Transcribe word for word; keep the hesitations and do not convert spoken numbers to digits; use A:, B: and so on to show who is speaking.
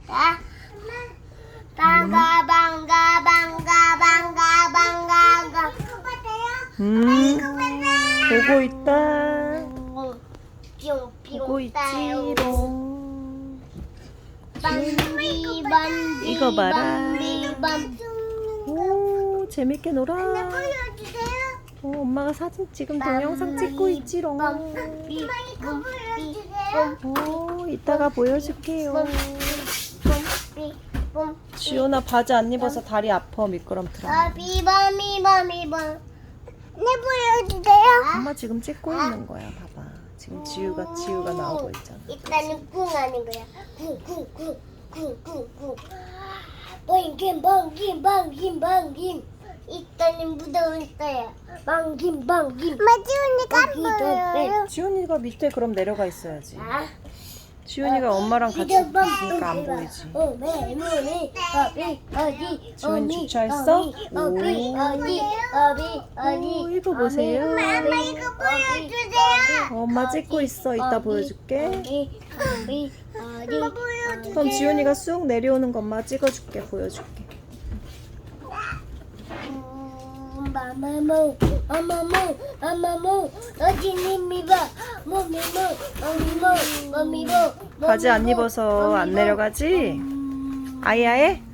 A: 방가 방가 방가 방가 방가.
B: 음, 보고 있다. 보고
A: 있지롱.
B: 있지롱.
A: 밤비 밤비
B: 이거 봐라.
A: 밤비 밤.
B: 오, 재밌게 놀아.
A: 보여주세요.
B: 어, 엄마가 사진 지금 동영상 찍고 있지롱.
A: 밤비 이거 보여주세요.
B: 오, 이따가 보여줄게요.
A: 밤비 밤.
B: 지훈아 바지 안 입어서 다리 아파. 미끄럼틀어.
A: 밤비 밤비 밤비 밤. 네 보여주세요.
B: 엄마 지금 찍고 있는 거야. 봐봐. 지금 지우가 지우가 나오고 있잖아.
A: 일단은 꿍 하는 거야. 꿍꿍꿍꿍꿍꿍. 방김 방김 방김 방김. 일단은 무더운 거야. 방김 방김. 마지우니까 안 보여요.
B: 지훈이가 밑에 그럼 내려가 있어야지.
A: 아.
B: 지훈이가 엄마랑 같이 있으니까 안 보이지. 지훈이 주차했어? 오. 오, 이거 보세요.
A: 엄마 이거 보여주세요.
B: 어, 엄마 찍고 있어. 이따 보여줄게.
A: 엄마 보여주세요.
B: 그럼 지훈이가 쑥 내려오는 거 엄마 찍어줄게. 보여줄게.
A: 마마모, 마마모, 마마모, 어디님이 봐, 몸이모, 어미모, 어미모.
B: 바지 안 입어서 안 내려가지? 아이아에?